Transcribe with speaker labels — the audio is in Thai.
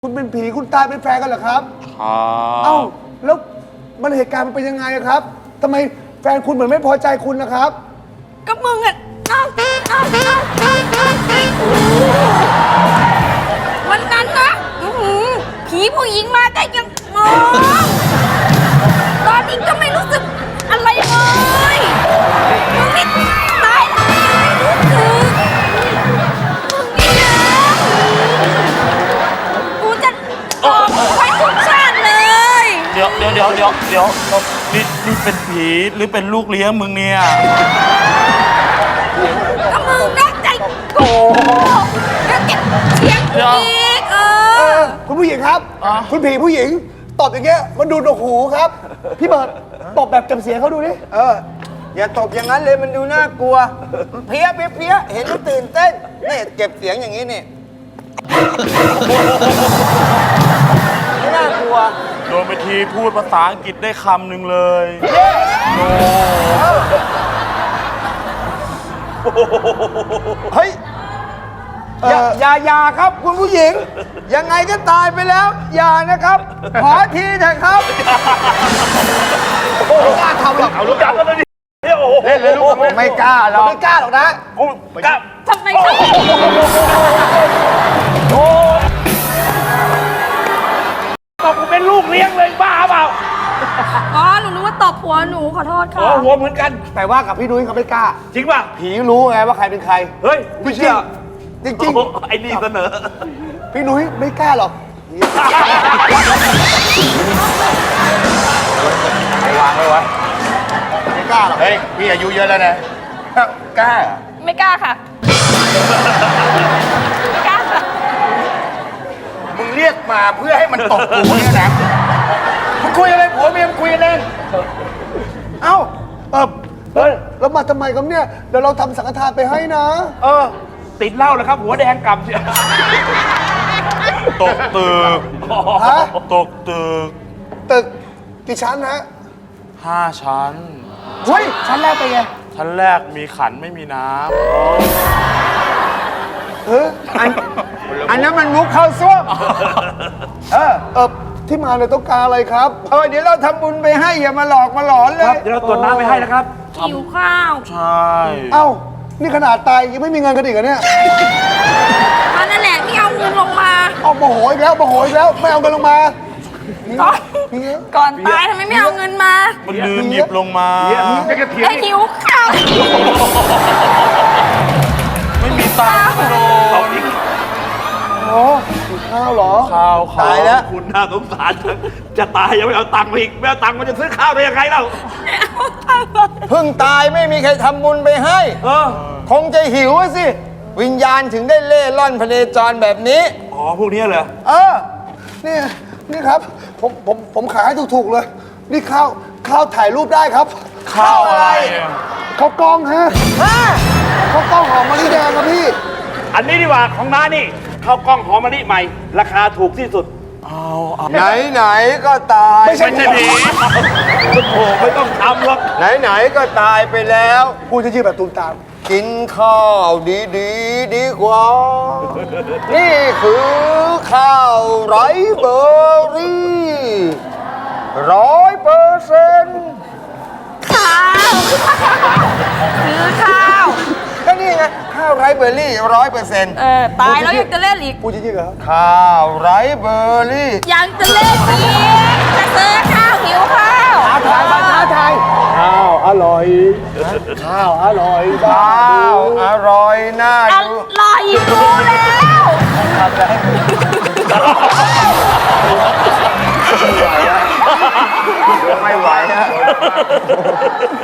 Speaker 1: คุณเป็นผีคุณตายเป็นแฟนกันเหรอครับ
Speaker 2: ครับ
Speaker 1: เอ้าแล้วมันเหตุการณ์มันเป็นยังไงอะครับทำไมแฟนคุณเหมือนไม่พอใจคุณนะครับ
Speaker 3: ก็มึงอ่ะวันนั้นนะผีผู้หญิงมาแต่ยังมองตอนนี้ก็ไม่รู้สึกอะไรเลยมึงนี่ตายแล้วไม่รู้สึกมึงนี่นะกูจะออกไปทุกชาติเลย
Speaker 2: เดี๋ยวนี่เป็นผีหรือเป็นลูกเลี้ยงมึงเนี่ย
Speaker 3: ก็มึงนอกใจกูแล้วเก็บเชียงกูอีก
Speaker 1: คุณผู้หญิงครับ คุณผีผู้หญิงตบอย่างเงี้ยมันดูหนวกหูครับ พี่เบิร์ดตบแบบจำเสียงเขาดูดิ
Speaker 4: อย่าตบอย่างนั้นเลยมันดูน่ากลัวเพี้ยเห็นแล้วตื่นเต้นนี่เก็บเสียงอย่างนี้นี่ไม่น่ากลัว
Speaker 2: โดนไปทีพูดภาษาอังกฤษได้คำหนึ่งเลย
Speaker 4: เฮ้ยอย่าครับคุณผู้หญิง ยังไงก็ตายไปแล้ว อย่านะครับ ขอทีเถอะครับ
Speaker 1: ไม่กล้าทำหรอก
Speaker 2: เอาลูกจับกันเลยดิโอ้โห
Speaker 4: เล่นเลยลูกไม่กล้าหรอก
Speaker 1: ไม่กล้าหรอกนะ
Speaker 2: กูกลับ
Speaker 3: ทำไมเขา
Speaker 2: ตบกูเป็นลูกเลี้ยงเลยบ้าเปล่า
Speaker 3: อ๋อหนูนึกว่าตบหัวหนูขอโทษค่ะ
Speaker 2: หัวเหมือนกัน
Speaker 1: แต่ว่ากับพี่นุ้ยเขาไม่กล้า
Speaker 2: จริงป่ะ
Speaker 1: ผีรู้ไงว่าใครเป็นใคร
Speaker 2: เฮ้ยไม่เชื่อ
Speaker 1: จริง
Speaker 2: ไอ้นี่เสนอ
Speaker 1: ๆพี่นุ้ยไม่กล้าหรอก
Speaker 4: วางไว้วะ
Speaker 1: ไม่กล้าหรอก
Speaker 4: เฮ้ยพี่อายุเยอะแล้วนะกล้า
Speaker 3: ไม่กล้าค่ะไม่กล้าค่ะ
Speaker 4: มึงเรียกมาเพื่อให้มันตบกูเนี่ยนะมึงคุยอะไรผัวเมียมึงคุยกันเองเอ้า
Speaker 1: เฮ้ยแล้วมาทำไมครับเนี่ยเดี๋ยวเราทำสังฆทานไปให้นะ
Speaker 2: ติดเหล้าแล้วครับหัวแดงกลับตกตึก
Speaker 1: ฮะ
Speaker 2: ตกตึก
Speaker 1: ตึกกี่ชั้นฮะ
Speaker 2: 5 ชั้น
Speaker 1: เฮ้ยชั้นแรกเป็นไง
Speaker 2: ชั้นแรกมีขันไม่มีน้
Speaker 1: เออ
Speaker 4: อันนั้นมันมุกเข้าซ่วม
Speaker 1: ที่มาเนี่ยต้องการอะไรครับ
Speaker 4: เดี๋ยวเราทำบุญไปให้อย่ามาหลอกมาหลอนเลย
Speaker 2: ำเดี๋ยวเราตรวจน้ำไปให้นะครับ
Speaker 3: หิวข้าว
Speaker 2: ใช่
Speaker 1: เอ้า นี่ขนาดตายยังไม่มีเงินกันอีกเหรอเนี่ย
Speaker 3: มันนั่นแหละที่เอาเงินลงมา
Speaker 1: เอาโมโหอีกแล้วโมโหอีกแล้ว ไม่เอาเงินลงมา
Speaker 3: ก่อน
Speaker 1: เฮีย
Speaker 3: ก่อนตายทำไมไม่เอาเงินมา
Speaker 2: มันลืมหยิบลงมา
Speaker 3: ไอ้หิวข้าว
Speaker 2: ไม่มีตังค์โดน
Speaker 1: โอ้กินข้าวเหรอ
Speaker 2: ข้าว
Speaker 4: ตายแล้ว
Speaker 2: คุณน่าสงสารจังจะตายยังไม่เอาตังค์มาอีกไม่เอาตังค์มันจะซื้อข้าวได้ยังไงเล่า
Speaker 4: เพิ่งตายไม่มีใครทำบุญไปให้ คงจะหิวอะสิ วิญญาณถึงได้เล่ร่อนพเนจรแบบนี้
Speaker 2: อ๋อพวกนี้เหรอ
Speaker 1: นี่ครับ ผมขายให้ถูกๆเลย นี่ข้าวถ่ายรูปได้ครับ
Speaker 2: ข้าวอะไร
Speaker 1: ข้าวกล้องฮะข้าวกล้องหอมมะลิแดงครับพี่
Speaker 5: อันนี้ดีกว่าของน้านี่ข้าวกล้องหอมมะลิใหม่ ราคาถูกที่สุด
Speaker 4: ไหนก็ตาย
Speaker 1: ไม่ใช่
Speaker 5: ผีโอ้โหไม่ต้องทำหรอก
Speaker 4: ไหนก็ตายไปแล้ว
Speaker 1: พูดจะยืดแบบตูมตาม
Speaker 4: กินข้าวดีกว่า นี่คือข้าวไรเบอร์รี่100%
Speaker 3: ข้าวซื้อข้าว
Speaker 4: ก็นี่ไงข้าวไรเบอร์รี่100%
Speaker 3: ตายแล้วยังจะเล่นอีก
Speaker 1: พูดจะยืดเหรอ
Speaker 4: ข้าวไรเบอร์รี่
Speaker 3: ยังจะเล่นอีกจะซื้อข้าวหิวข้าว
Speaker 1: ท้าทายข้าวอร่อย ข้าวอร่อย
Speaker 4: ข้าวอร่อยน่า
Speaker 3: อ
Speaker 4: ดู
Speaker 3: ร่อยดูแล้ว
Speaker 4: ไม่ไหวฮะ